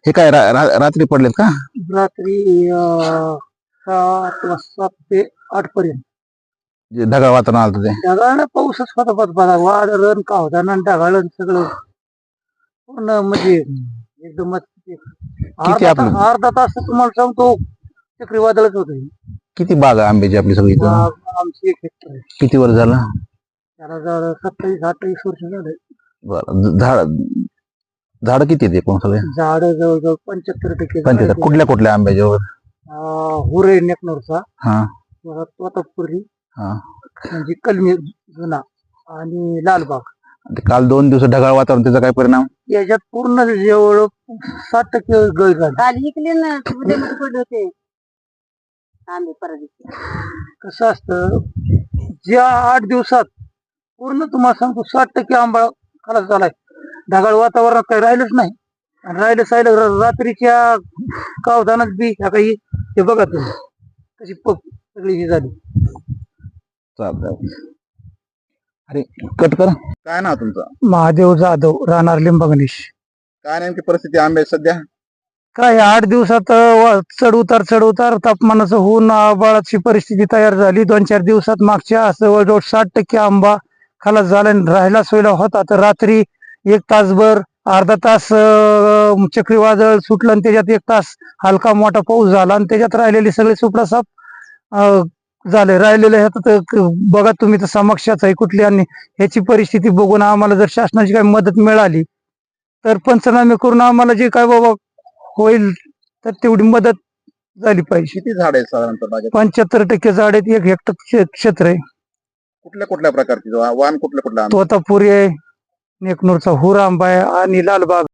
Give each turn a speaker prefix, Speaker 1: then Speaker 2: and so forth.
Speaker 1: हे काय रात्री पडलेत का?
Speaker 2: रात्री 7 ते 8 पर्यंत
Speaker 1: जे ढगाळ वातावरण आलं ते
Speaker 2: ढगाळ पाऊसच होता बघा. वाढ रण का होता ना ढगाळ सगळं पूर्ण म्हणजे एकदमच अर्धा तास तुम्हाला सांगतो चक्रीवादळच होत.
Speaker 1: किती बाग आहे आंब्याची आपली सगळी इथं?
Speaker 2: आमची 1 हेक्टर आहे.
Speaker 1: किती वर्ष झालं?
Speaker 2: त्याला 27-28 वर्ष झाले.
Speaker 1: बरं. झाड किती आहेत एकूण सगळे?
Speaker 2: झाड जवळजवळ 75%.
Speaker 1: 75. कुठल्या कुठल्या आंब्याच्यावर?
Speaker 2: हुरे नेकनोरचा,
Speaker 1: हा
Speaker 2: तोतापुरी,
Speaker 1: हा.
Speaker 2: म्हणजे कलमी जुना आणि लालबाग.
Speaker 1: काल 2 दिवस ढगाळ वातावरण, त्याचा काय परिणाम?
Speaker 2: याच्यात पूर्ण जेवढ 60% गळ झाली. काल इकले ना पडले होते आंबे परत. कसं असतं, ज्या 8 दिवसात पूर्ण तुम्हाला सांगतो 60% आंबा खलास झालाय. ढगाळ वातावरणात काही राहिलंच नाही. आणि राहिलं रात्रीच्या कावदानात बी काही हे बघा तुम्ही कशी सगळी ही झाली.
Speaker 1: अरे कट कर. काय नाव तुमचं?
Speaker 2: महादेव जाधव, राहणार लिंबगणेश.
Speaker 1: काय नेमकी परिस्थिती आंब्याची सध्या?
Speaker 2: काय 8 दिवसात चढ उतार तापमानाचं होऊन आबाळाची परिस्थिती तयार झाली. 2-4 दिवसात मागच्या जवळजवळ 60% आंबा खालास झाला. राहिला सोयला होता तर रात्री 1 तासभर अर्धा तास चक्रीवादळ सुटलं आणि त्याच्यात 1 तास हलका मोठा पाऊस झाला आणि त्याच्यात राहिलेले सगळे सुपडासाप झाले. राहिलेले बघा तुम्ही तर समक्षाच आहे कुठली. आणि ह्याची परिस्थिती बघून आम्हाला जर शासनाची काही मदत मिळाली तर पंचनामे करून आम्हाला जे काय बाबा होईल तर तेवढी मदत झाली पाहिजे.
Speaker 1: किती झाड आहेत साधारणतः?
Speaker 2: 75% झाड आहेत. 1 हेक्टर क्षेत्र आहे.
Speaker 1: कुठल्या कुठल्या प्रकारची वाहन कुठल्या कुठल्या?
Speaker 2: तोतापुरी आहे, नेकनूरचा हुर आंबा आहे आणि लालबाग.